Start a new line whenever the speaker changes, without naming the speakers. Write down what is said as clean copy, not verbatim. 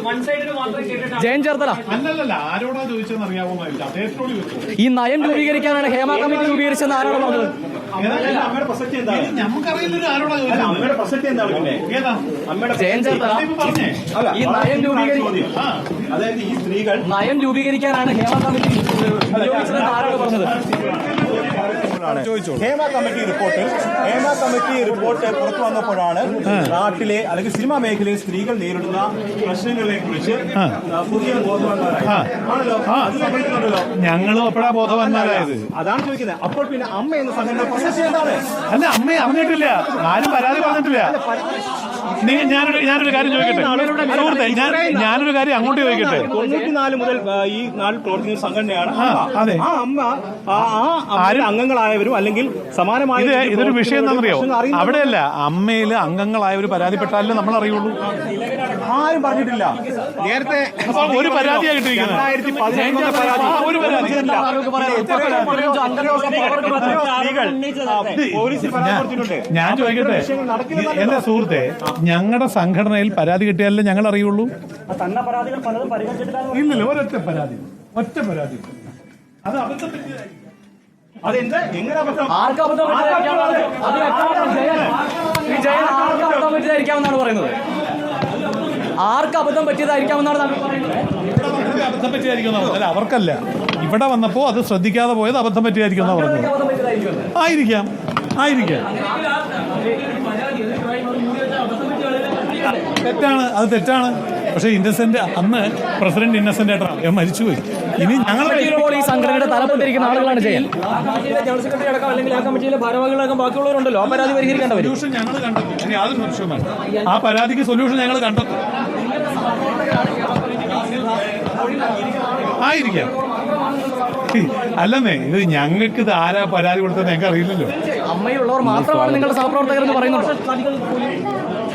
ജയൻ ചേർത്തല
അല്ലല്ല ആരോടാ ചോദിച്ചതെന്ന് അറിയാവുന്നതല്ല അദ്ദേഹത്തോട് ചോദിച്ചു.
ഈ നയം രൂപീകരിക്കാനാണ് ഹേമ കമ്മിറ്റി രൂപീകരിച്ചെന്ന് ആരാണ് പറഞ്ഞത്?
നമുക്കറിയില്ല ആരോടാ ചോദിച്ചത്.
ജയൻ ചേർത്തല ഈ
അതായത് ഈ സ്ത്രീകൾ
നയം രൂപീകരിക്കാനാണ് ഹേമ കമ്മിറ്റി നിയോഗിച്ചതെന്ന് ആരാണ് പറഞ്ഞത്?
ഹേമ കമ്മിറ്റി റിപ്പോർട്ട് പുറത്തു വന്നപ്പോഴാണ് നാട്ടിലെ അല്ലെങ്കിൽ സിനിമാ മേഖലയിൽ സ്ത്രീകൾ നേരിടുന്ന പ്രശ്നങ്ങളെ കുറിച്ച് പുതിയ ബോധവാന്മാരാണല്ലോ.
ഞങ്ങളും അപ്പോഴാ ബോധവാന്മാരായത്.
അതാണ് ചോദിക്കുന്നത്. അപ്പോൾ പിന്നെ അമ്മ എന്ന സംഘടന പ്രശസ്തി എന്താണ്?
അല്ല, അമ്മയെ അറിഞ്ഞിട്ടില്ല, ആരും പരാതി പറഞ്ഞിട്ടില്ല. ഞാനൊരു കാര്യം ചോദിക്കട്ടെ സുഹൃത്തെ, ഞാനൊരു കാര്യം അങ്ങോട്ട് ചോദിക്കട്ടെ.
94 മുതൽ ഈ നാട്ടിൽ പ്രവർത്തിക്കുന്ന സംഘടനയാണ്.
അതെ,
ആ അമ്മ അംഗങ്ങളായവരും അല്ലെങ്കിൽ സമാനമായ
ഇതൊരു വിഷയം എന്താണെന്നറിയോ? അവിടെയല്ല, അമ്മയില് അംഗങ്ങളായവർ പരാതിപ്പെട്ടാലേ നമ്മൾ അറിയുള്ളൂ.
ആരും പറഞ്ഞിട്ടില്ല. നേരത്തെ
ഒരു പരാതിയായിട്ടിരിക്കുന്നത്. ഞാൻ ചോദിക്കട്ടെ എന്റെ സുഹൃത്തെ, ഞങ്ങളുടെ സംഘടനയിൽ പരാതി കിട്ടിയാലേ ഞങ്ങൾ അറിയുള്ളൂ. ഇല്ലല്ലോ, ഒറ്റ പരാതി അത് അബദ്ധം പറ്റിയതായിരിക്കും.
പറ്റിയതായിരിക്കാമെന്നാണ് പറയുന്നത്. ആർക്ക് അബദ്ധം പറ്റിയതായിരിക്കാമെന്നാണ്
അബദ്ധം പറ്റിയതായിരിക്കും. അല്ല, അവർക്കല്ല, ഇവിടെ വന്നപ്പോ അത് ശ്രദ്ധിക്കാതെ പോയത് അബദ്ധം പറ്റിയതായിരിക്കും എന്നാ പറഞ്ഞത്. ആയിരിക്കാം. തെറ്റാണ്, അത് തെറ്റാണ്. പക്ഷെ ഇന്നസെന്റ്, അന്ന് പ്രസിഡന്റ് ഇന്നസെന്റ് ആയിട്ടാണ് മരിച്ചുപോയി. ഇനി ഞങ്ങൾ
ഈ സംഘടനയുടെ തലപ്പത്തിരിക്കുന്ന ആളുകളാണ് ചെയ്യാൻ ജനറൽ സെക്രട്ടറി അടക്കം അല്ലെങ്കിൽ ആ കമ്മിറ്റിയിലെ ഭാരവാഹികളടക്കം ബാക്കിയുള്ളവരുണ്ടല്ലോ. ആ പരാതി പരിഹരിക്കേണ്ട
സൊല്യൂഷൻ ഞങ്ങൾ കണ്ടെത്തും. ഇനി യാതൊരു സംശയവുമാണ്, ആ പരാതിക്ക് സൊല്യൂഷൻ ഞങ്ങൾ കണ്ടെത്തും. ആയിരിക്കാം. അല്ലെന്നേ, ഇത് ഞങ്ങൾക്ക് ഇത് ആരാ പരാതി കൊടുത്തത് ഞങ്ങൾക്ക് അറിയില്ലല്ലോ.
അമ്മയുള്ളവർ മാത്രമാണ് നിങ്ങളുടെ സഹപ്രവർത്തകർ എന്ന് പറയുന്നുണ്ടോ?